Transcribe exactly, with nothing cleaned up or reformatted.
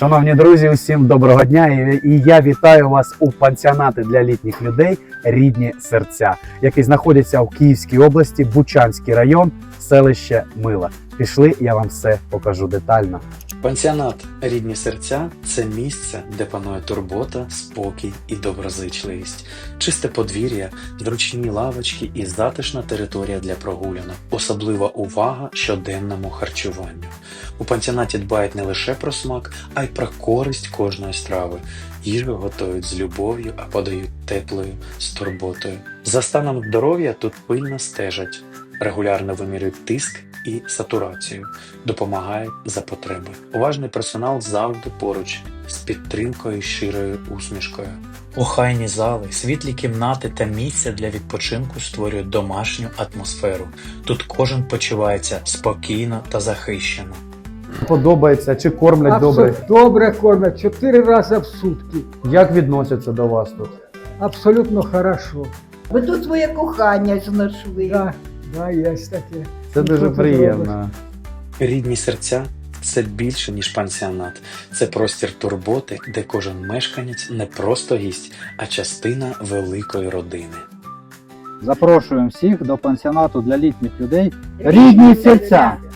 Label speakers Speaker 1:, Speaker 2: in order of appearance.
Speaker 1: Шановні друзі, усім доброго дня! І і я вітаю вас у пансіонаті для літніх людей «Рідні серця», який знаходиться в Київській області, Бучанський район, селище Мила. Пішли, я вам все покажу детально.
Speaker 2: Пансіонат «Рідні серця» – це місце, де панує турбота, спокій і доброзичливість. Чисте подвір'я, зручні лавочки і затишна територія для прогулянок. Особлива увага щоденному харчуванню. У пансіонаті дбають не лише про смак, а й про користь кожної страви. Їжу готують з любов'ю, а подають теплою, з турботою. За станом здоров'я тут пильно стежать, регулярно вимірюють тиск і сатурацію, допомагають за потреби. Уважний персонал завжди поруч, з підтримкою і щирою усмішкою. Охайні зали, світлі кімнати та місця для відпочинку створюють домашню атмосферу. Тут кожен почувається спокійно та захищено.
Speaker 1: Подобається чи кормлять добре?
Speaker 3: Абсолютно добре кормять, чотири рази в сутки.
Speaker 1: Як відносяться до вас тут?
Speaker 3: Абсолютно хорошо.
Speaker 4: Ви тут своє кохання знайшли.
Speaker 3: Да, да, є таке.
Speaker 1: Це дуже
Speaker 3: Що ти
Speaker 1: приємно.
Speaker 2: «Рідні серця» – це більше, ніж пансіонат. Це простір турботи, де кожен мешканець не просто гість, а частина великої родини.
Speaker 5: Запрошуємо всіх до пансіонату для літніх людей «Рідні серця».